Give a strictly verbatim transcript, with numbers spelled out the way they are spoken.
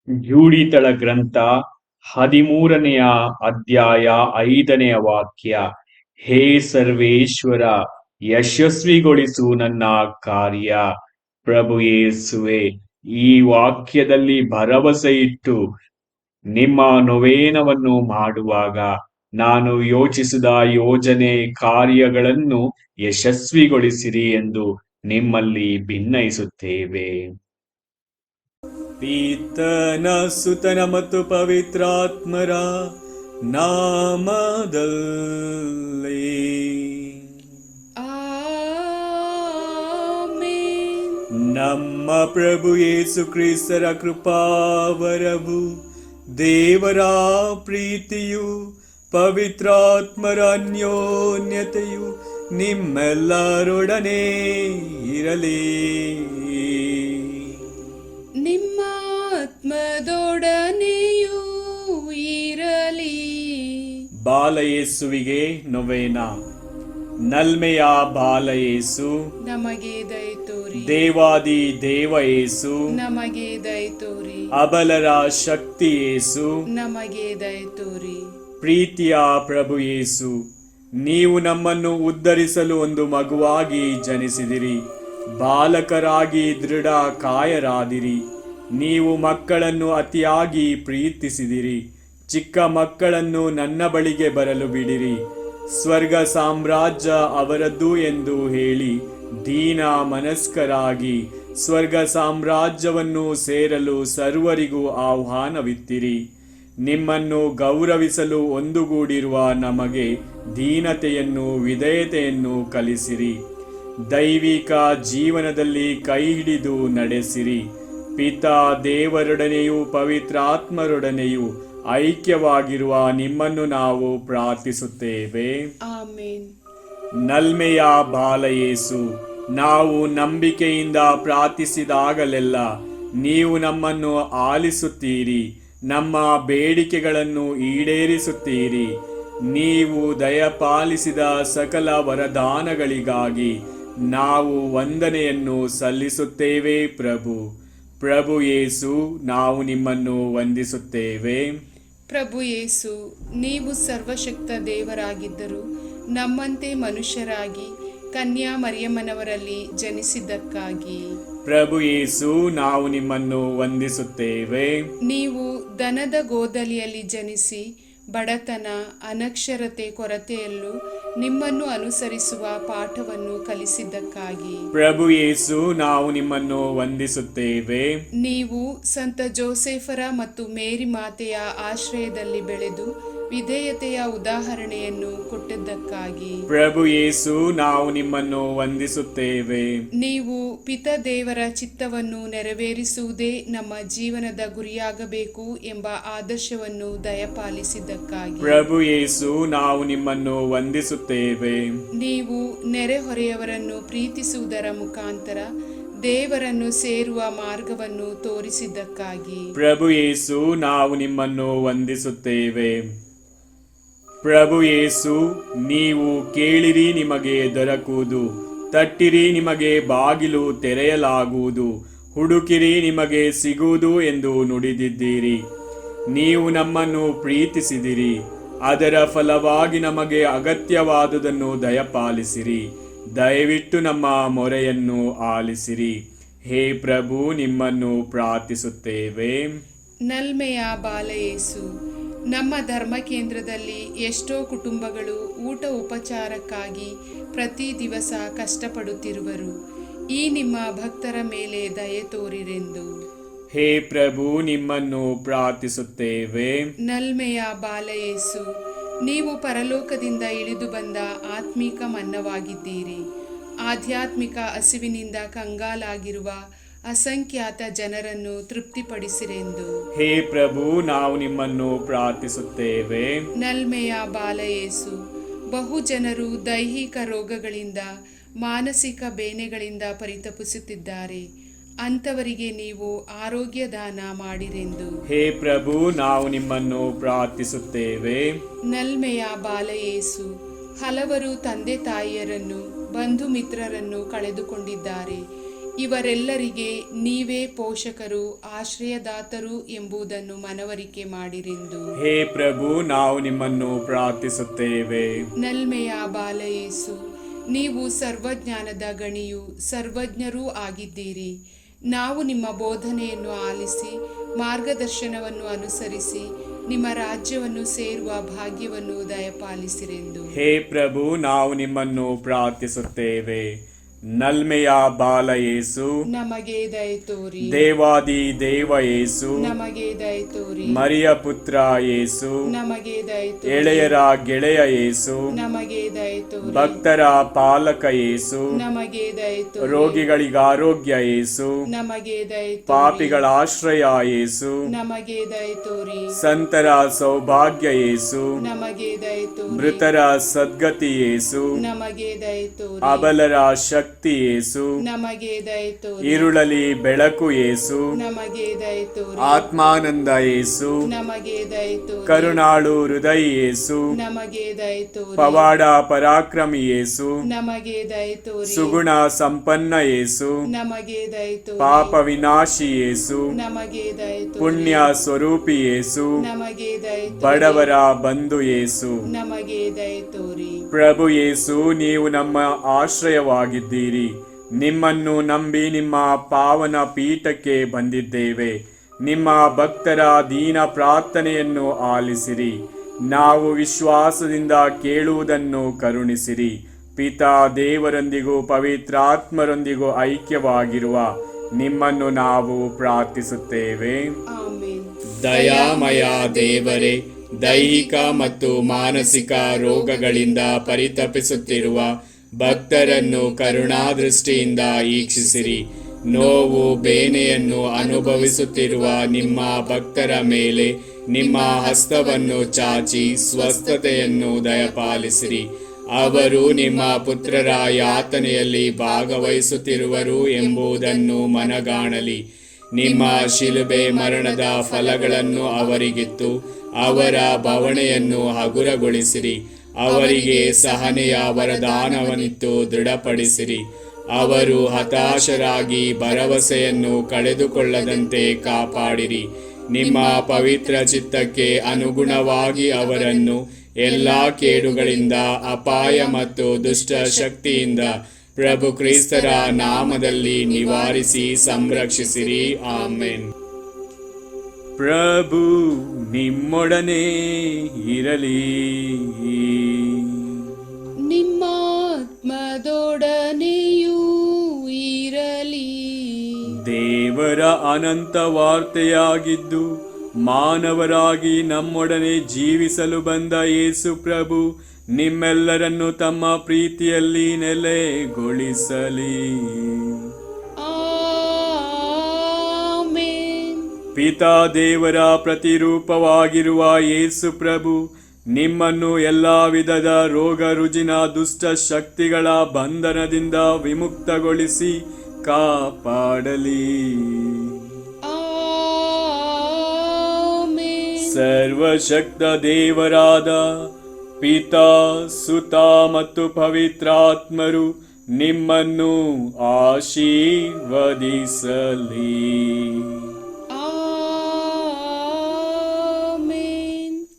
ಜೂಡಿತಳ ಗ್ರಂಥ ಹದಿಮೂರನೆಯ ಅಧ್ಯಾಯ ಐದನೆಯ ವಾಕ್ಯ. ಹೇ ಸರ್ವೇಶ್ವರ, ಯಶಸ್ವಿಗೊಳಿಸು ನನ್ನ ಕಾರ್ಯ. ಪ್ರಭು ಯೇಸುವೆ, ಈ ವಾಕ್ಯದಲ್ಲಿ ಭರವಸೆ ಇಟ್ಟು ನಿಮ್ಮ ನೊವೇನವನ್ನು ಮಾಡುವಾಗ ನಾನು ಯೋಚಿಸಿದ ಯೋಜನೆ ಕಾರ್ಯಗಳನ್ನು ಯಶಸ್ವಿಗೊಳಿಸಿರಿ ಎಂದು ನಿಮ್ಮಲ್ಲಿ ಭಿನ್ನಯಿಸುತ್ತೇವೆ. ಪಿತನ ಸುತನ ಮತ್ತು ಪವಿತ್ರಾತ್ಮರ ನಾಮದಲ್ಲಿ. ಆಮೆನ್. ನಮ್ಮ ಪ್ರಭು ಯೇಸು ಕ್ರಿಸ್ತರ ಕೃಪಾವರವು, ದೇವರ ಪ್ರೀತಿಯು, ಪವಿತ್ರಾತ್ಮರ ಅನ್ಯೋನ್ಯತೆಯು ನಿಮ್ಮೆಲ್ಲರೊಡನೆ ಇರಲಿ. ನಿಮ್ಮ ಆತ್ಮದೊಡನೆಯೂ ಇರಲಿ. ಬಾಲಯೇಸುವಿಗೆ ನೊವೇನ. ನಲ್ಮೆಯ ಬಾಲಯೇಸು, ನಮಗೆ ದಯ ತೋರಿ. ದೇವಾದಿ ದೇವ ಯೇಸು, ನಮಗೆ ದಯ ತೋರಿ. ಅಬಲರ ಶಕ್ತಿ ಯೇಸು, ನಮಗೆ ದಯ ತೋರಿ. ಪ್ರೀತಿಯ ಪ್ರಭು ಯೇಸು, ನೀವು ನಮ್ಮನ್ನು ಉದ್ಧರಿಸಲು ಒಂದು ಮಗುವಾಗಿ ಜನಿಸಿದಿರಿ. ಬಾಲಕರಾಗಿ ದೃಢ ಕಾಯರಾದಿರಿ. ನೀವು ಮಕ್ಕಳನ್ನು ಅತಿಯಾಗಿ ಪ್ರೀತಿಸಿದಿರಿ. ಚಿಕ್ಕ ಮಕ್ಕಳನ್ನು ನನ್ನ ಬಳಿಗೆ ಬರಲು ಬಿಡಿರಿ, ಸ್ವರ್ಗ ಸಾಮ್ರಾಜ್ಯ ಅವರದ್ದು ಎಂದು ಹೇಳಿ ದೀನ ಮನಸ್ಕರಾಗಿ ಸ್ವರ್ಗ ಸಾಮ್ರಾಜ್ಯವನ್ನು ಸೇರಲು ಸರ್ವರಿಗೂ ಆಹ್ವಾನವಿತ್ತಿರಿ. ನಿಮ್ಮನ್ನು ಗೌರವಿಸಲು ಒಂದುಗೂಡಿರುವ ನಮಗೆ ದೀನತೆಯನ್ನು ವಿಧೇಯತೆಯನ್ನು ಕಲಿಸಿರಿ. ದೈವಿಕ ಜೀವನದಲ್ಲಿ ಕೈ ಹಿಡಿದು ನಡೆಸಿರಿ. ಪಿತಾ ದೇವರೊಡನೆಯೂ ಪವಿತ್ರಾತ್ಮರೊಡನೆಯೂ ಐಕ್ಯವಾಗಿರುವ ನಿಮ್ಮನ್ನು ನಾವು ಪ್ರಾರ್ಥಿಸುತ್ತೇವೆ. ಆಮೆನ್. ನಲ್ಮೆಯ ಬಾಲಯೇಸು, ನಾವು ನಂಬಿಕೆಯಿಂದ ಪ್ರಾರ್ಥಿಸಿದಾಗಲೆಲ್ಲ ನೀವು ನಮ್ಮನ್ನು ಆಲಿಸುತ್ತೀರಿ, ನಮ್ಮ ಬೇಡಿಕೆಗಳನ್ನು ಈಡೇರಿಸುತ್ತೀರಿ. ನೀವು ದಯಪಾಲಿಸಿದ ಸಕಲ ವರದಾನಗಳಿಗಾಗಿ ನಾವು ವಂದನೆಯನ್ನು ಸಲ್ಲಿಸುತ್ತೇವೆ. ಪ್ರಭು ಪ್ರಭು ಯೇಸು, ನಾವು ನಿಮ್ಮನ್ನು ವಂದಿಸುತ್ತೇವೆ. ಪ್ರಭು ಯೇಸು, ನೀವು ಸರ್ವಶಕ್ತ ದೇವರಾಗಿದ್ದರು ನಮ್ಮಂತೆ ಮನುಷ್ಯರಾಗಿ ಕನ್ಯಾ ಮರಿಯಮ್ಮನವರಲ್ಲಿ ಜನಿಸಿದ್ದಕ್ಕಾಗಿ. ಪ್ರಭು ಯೇಸು, ನಾವು ನಿಮ್ಮನ್ನು ವಂದಿಸುತ್ತೇವೆ. ನೀವು ದನದ ಗೋದಲಿಯಲ್ಲಿ ಜನಿಸಿ ಬಡತನ, ಅನಕ್ಷರತೆ, ಕೊರತೆಯಲ್ಲೂ ನಿಮ್ಮನ್ನು ಅನುಸರಿಸುವ ಪಾಠವನ್ನು ಕಲಿಸಿದ್ದಕ್ಕಾಗಿ. ಪ್ರಭು ಯೇಸು, ನಾವು ನಿಮ್ಮನ್ನು ವಂದಿಸುತ್ತೇವೆ. ನೀವು ಸಂತ ಜೋಸೆಫರ ಮತ್ತು ಮೇರಿ ಮಾತೆಯ ಆಶ್ರಯದಲ್ಲಿ ಬೆಳೆದು ವಿಧೇಯತೆಯ ಉದಾಹರಣೆಯನ್ನು ಕೊಟ್ಟಿದ್ದಕ್ಕಾಗಿ. ಪ್ರಭು ಯೇಸು, ನಾವು ನಿಮ್ಮನ್ನು ವಂದಿಸುತ್ತೇವೆ. ನೀವು ಪಿತ ದೇವರ ಚಿತ್ತವನ್ನು ನೆರವೇರಿಸುವುದೇ ನಮ್ಮ ಜೀವನದ ಗುರಿಯಾಗಬೇಕು ಎಂಬ ಆದರ್ಶವನ್ನು ದಯಪಾಲಿಸಿದ್ದಕ್ಕಾಗಿ. ಪ್ರಭು ಯೇಸು, ನಾವು ನಿಮ್ಮನ್ನು ವಂದಿಸುತ್ತೇವೆ. ನೀವು ನೆರೆಹೊರೆಯವರನ್ನು ಪ್ರೀತಿಸುವುದರ ಮುಖಾಂತರ ದೇವರನ್ನು ಸೇರುವ ಮಾರ್ಗವನ್ನು ತೋರಿಸಿದ್ದಕ್ಕಾಗಿ. ಪ್ರಭು ಯೇಸು, ನಾವು ನಿಮ್ಮನ್ನು ವಂದಿಸುತ್ತೇವೆ. ಪ್ರಭು ಯೇಸು, ನೀವು ಕೇಳಿರಿ ನಿಮಗೆ ದೊರಕುವುದು, ತಟ್ಟಿರಿ ನಿಮಗೆ ಬಾಗಿಲು ತೆರೆಯಲಾಗುವುದು, ಹುಡುಕಿರಿ ನಿಮಗೆ ಸಿಗುವುದು ಎಂದು ನುಡಿದಿದ್ದೀರಿ. ನೀವು ನಮ್ಮನ್ನು ಪ್ರೀತಿಸಿದಿರಿ, ಅದರ ಫಲವಾಗಿ ನಮಗೆ ಅಗತ್ಯವಾದುದನ್ನು ದಯಪಾಲಿಸಿರಿ. ದಯವಿಟ್ಟು ನಮ್ಮ ಮೊರೆಯನ್ನು ಆಲಿಸಿರಿ. ಹೇ ಪ್ರಭು, ನಿಮ್ಮನ್ನು ಪ್ರಾರ್ಥಿಸುತ್ತೇವೆ. ನಲ್ಮೆಯ ಬಾಲಯೇಸು, ನಮ್ಮ ಧರ್ಮ ಕೇಂದ್ರದಲ್ಲಿ ಎಷ್ಟೋ ಕುಟುಂಬಗಳು ಊಟ ಉಪಚಾರಕ್ಕಾಗಿ ಪ್ರತಿ ದಿವಸ ಕಷ್ಟಪಡುತ್ತಿರುವರು. ಈ ನಿಮ್ಮ ಭಕ್ತರ ಮೇಲೆ ದಯೆ ತೋರಿರೆಂದು. ಹೇ ಪ್ರಭು, ನಿಮ್ಮನ್ನು ಪ್ರಾರ್ಥಿಸುತ್ತೇವೆ. ನಲ್ಮೆಯ ಬಾಲಯೇಸು, ನೀವು ಪರಲೋಕದಿಂದ ಇಳಿದು ಬಂದ ಆತ್ಮಿಕ ಮನ್ನವಾಗಿದ್ದೀರಿ. ಆಧ್ಯಾತ್ಮಿಕ ಹಸಿವಿನಿಂದ ಕಂಗಾಲಾಗಿರುವ ಅಸಂಖ್ಯಾತ ಜನರನ್ನು ತೃಪ್ತಿಪಡಿಸಿರೆಂದು. ಹೇ ಪ್ರಭು, ನಾವು ನಿಮ್ಮನ್ನು ಪ್ರಾರ್ಥಿಸುತ್ತೇವೆ. ನಲ್ಮೆಯ ಬಾಲಯೇಸು, ಬಹು ಜನರು ದೈಹಿಕ ರೋಗಗಳಿಂದ, ಮಾನಸಿಕ ಬೇನೆಗಳಿಂದ ಪರಿತಪಿಸುತ್ತಿದ್ದಾರೆ. ಅಂಥವರಿಗೆ ನೀವು ಆರೋಗ್ಯ ದಾನ ಮಾಡಿರೆಂದು. ಹೇ ಪ್ರಭು, ನಾವು ನಿಮ್ಮನ್ನು ಪ್ರಾರ್ಥಿಸುತ್ತೇವೆ. ನಲ್ಮೆಯ ಬಾಲಯೇಸು, ಹಲವರು ತಂದೆ ತಾಯಿಯರನ್ನು, ಬಂಧು ಮಿತ್ರರನ್ನು ಕಳೆದುಕೊಂಡಿದ್ದಾರೆ. ಇವರೆಲ್ಲರಿಗೆ ನೀವೇ ಪೋಷಕರು, ಆಶ್ರಯದಾತರು ಎಂಬುದನ್ನು ಮನವರಿಕೆ ಮಾಡಿರೆಂದು. ಹೇ ಪ್ರಭು, ನಾವು ನಿಮ್ಮನ್ನು ಪ್ರಾರ್ಥಿಸುತ್ತೇವೆ. ನಲ್ಮೆಯ ಬಾಲಯೇಸು, ನೀವು ಸರ್ವಜ್ಞಾನದ ಗಣಿಯೂ ಸರ್ವಜ್ಞರೂ ಆಗಿದ್ದೀರಿ. ನಾವು ನಿಮ್ಮ ಬೋಧನೆಯನ್ನು ಆಲಿಸಿ ಮಾರ್ಗದರ್ಶನವನ್ನು ಅನುಸರಿಸಿ ನಿಮ್ಮ ರಾಜ್ಯವನ್ನು ಸೇರುವ ಭಾಗ್ಯವನ್ನು ದಯಪಾಲಿಸಿರೆಂದು. ಹೇ ಪ್ರಭು, ನಾವು ನಿಮ್ಮನ್ನು ಪ್ರಾರ್ಥಿಸುತ್ತೇವೆ. ನಲ್ಮೆಯ ಬಾಲ ಯೇಸು, ನಮಗೆ ದಯ ತೋರಿ. ದೇವಾದಿ ದೇವ ಯೇಸು, ನಮಗೆ ದಯ ತೋರಿ. ಮರಿಯ ಪುತ್ರ ಯೇಸು, ನಮಗೆ ದಯ ತೋರಿ. ಎಳೆಯರ ಗೆಳೆಯ ಯೇಸು, ನಮಗೆ ದಯ ತೋರಿ. ಭಕ್ತರ ಪಾಲಕ ಯೇಸು, ನಮಗೆ ದಯ ತೋರಿ. ರೋಗಿಗಳಿಗೆ ಆರೋಗ್ಯ ಯೇಸು, ನಮಗೆ ದಯ ತೋರಿ. ಪಾಪಿಗಳ ಆಶ್ರಯ ಯೇಸು, ನಮಗೆ ದಯ ತೋರಿ. ಸಂತರ ಸೌಭಾಗ್ಯ ಯೇಸು, ನಮಗೆ ದಯ ತೋರಿ. ಮೃತರ ಸದ್ಗತಿ ಯೇಸು, ನಮಗೆ ದಯ ತೋರಿ. ಅಬಲರ ಶಕ್ತಿ ಯೇಸು, ನಮಗೆ ದಯ ತೋರಿ. ഇരുಳಲಿ ಬೆಳಕು ಯೇಸು, ನಮಗೆ ದಯ ತೋರಿ. ಆತ್ಮಾನಂದ ಯೇಸು, ನಮಗೆ ದಯ ತೋರಿ. ಕರುಣಾಳು ಹೃದಯ ಯೇಸು, ನಮಗೆ ದಯ ತೋರಿ. ಪವಾಡ ಪರಾಕ್ರಮಿ ಯೇಸು, ನಮಗೆ ದಯ ತೋರಿ. ಸುಗುಣ ಸಂಪನ್ನ ಯೇಸು, ನಮಗೆ ದಯ ತೋರಿ. ಪಾಪ ವಿನಾಶಿ ಯೇಸು, ನಮಗೆ ದಯ ತೋರಿ. ಪುಣ್ಯ ಸ್ವರೂಪಿ ಯೇಸು, ನಮಗೆ ದಯ ತೋರಿ. ಬಡವರ ಬಂಧು ಯೇಸು, ನಮಗೆ ದಯ ತೋರಿ. ಪ್ರಭು ಯೇಸು, ನೀವು ನಮ್ಮ ಆಶ್ರಯವಾಗಿದ್ದೀರಿ. ನಿಮ್ಮನ್ನು ನಂಬಿ ನಿಮ್ಮ ಪಾವನ ಪೀಠಕ್ಕೆ ಬಂದಿದ್ದೇವೆ. ನಿಮ್ಮ ಭಕ್ತರ ದೀನ ಪ್ರಾರ್ಥನೆಯನ್ನು ಆಲಿಸಿರಿ. ನಾವು ವಿಶ್ವಾಸದಿಂದ ಕೇಳುವುದನ್ನು ಕರುಣಿಸಿರಿ. ಪಿತಾ ದೇವರೊಂದಿಗೂ ಪವಿತ್ರಾತ್ಮರೊಂದಿಗೂ ಐಕ್ಯವಾಗಿರುವ ನಿಮ್ಮನ್ನು ನಾವು ಪ್ರಾರ್ಥಿಸುತ್ತೇವೆ. ಆಮೆನ್. ದಯಾಮಯ ದೇವರೇ, ದೈಹಿಕ ಮತ್ತು ಮಾನಸಿಕ ರೋಗಗಳಿಂದ ಪರಿತಪಿಸುತ್ತಿರುವ ಭಕ್ತರನ್ನು ಕರುಣಾದೃಷ್ಟಿಯಿಂದ ಈಕ್ಷಿಸಿರಿ. ನೋವು ಬೇನೆಯನ್ನು ಅನುಭವಿಸುತ್ತಿರುವ ನಿಮ್ಮ ಭಕ್ತರ ಮೇಲೆ ನಿಮ್ಮ ಹಸ್ತವನ್ನು ಚಾಚಿ ಸ್ವಸ್ಥತೆಯನ್ನು ದಯಪಾಲಿಸಿರಿ. ಅವರು ನಿಮ್ಮ ಪುತ್ರರ ಯಾತನೆಯಲ್ಲಿ ಭಾಗವಹಿಸುತ್ತಿರುವರು ಎಂಬುದನ್ನು ಮನಗಾಣಲಿ. ನಿಮ್ಮ ಶಿಲುಬೆ ಮರಣದ ಫಲಗಳನ್ನು ಅವರಿಗಿತ್ತು ಅವರ ಬವಣೆಯನ್ನು ಹಗುರಗೊಳಿಸಿರಿ. ಅವರಿಗೆ ಸಹನೆಯ ವರದಾನವನ್ನಿತ್ತು ದೃಢಪಡಿಸಿರಿ. ಅವರು ಹತಾಶರಾಗಿ ಭರವಸೆಯನ್ನು ಕಳೆದುಕೊಳ್ಳದಂತೆ ಕಾಪಾಡಿರಿ. ನಿಮ್ಮ ಪವಿತ್ರ ಚಿತ್ತಕ್ಕೆ ಅನುಗುಣವಾಗಿ ಅವರನ್ನು ಎಲ್ಲಾ ಕೇಡುಗಳಿಂದ, ಅಪಾಯ ಮತ್ತು ದುಷ್ಟ ಶಕ್ತಿಯಿಂದ ಪ್ರಭು ಕ್ರಿಸ್ತರ ನಾಮದಲ್ಲಿ ನಿವಾರಿಸಿ ಸಂರಕ್ಷಿಸಿರಿ. ಆಮೆನ್. ಪ್ರಭು ನಿಮ್ಮೊಡನೆ ಇರಲಿ. ನಿಮ್ಮ ಆತ್ಮದೊಡನೆಯೂ ಇರಲಿ. ದೇವರ ಅನಂತ ವಾರ್ತೆಯಾಗಿದ್ದು ಮಾನವರಾಗಿ ನಮ್ಮೊಡನೆ ಜೀವಿಸಲು ಬಂದ ಯೇಸು ಪ್ರಭು ನಿಮ್ಮೆಲ್ಲರನ್ನು ತಮ್ಮ ಪ್ರೀತಿಯಲ್ಲಿ ನೆಲೆಗೊಳಿಸಲಿ. ಪಿತಾ ದೇವರ ಪ್ರತಿರೂಪವಾಗಿರುವ ಯೇಸು ಪ್ರಭು ನಿಮ್ಮನ್ನು ಎಲ್ಲಾ ವಿಧದ ರೋಗ ರುಜಿನ ದುಷ್ಟ ಶಕ್ತಿಗಳ ಬಂಧನದಿಂದ ವಿಮುಕ್ತಗೊಳಿಸಿ ಕಾಪಾಡಲಿ. ಸರ್ವಶಕ್ತ ದೇವರಾದ ಪಿತಾ, ಸುತ ಮತ್ತು ಪವಿತ್ರಾತ್ಮರು ನಿಮ್ಮನ್ನು ಆಶೀರ್ವದಿಸಲಿ.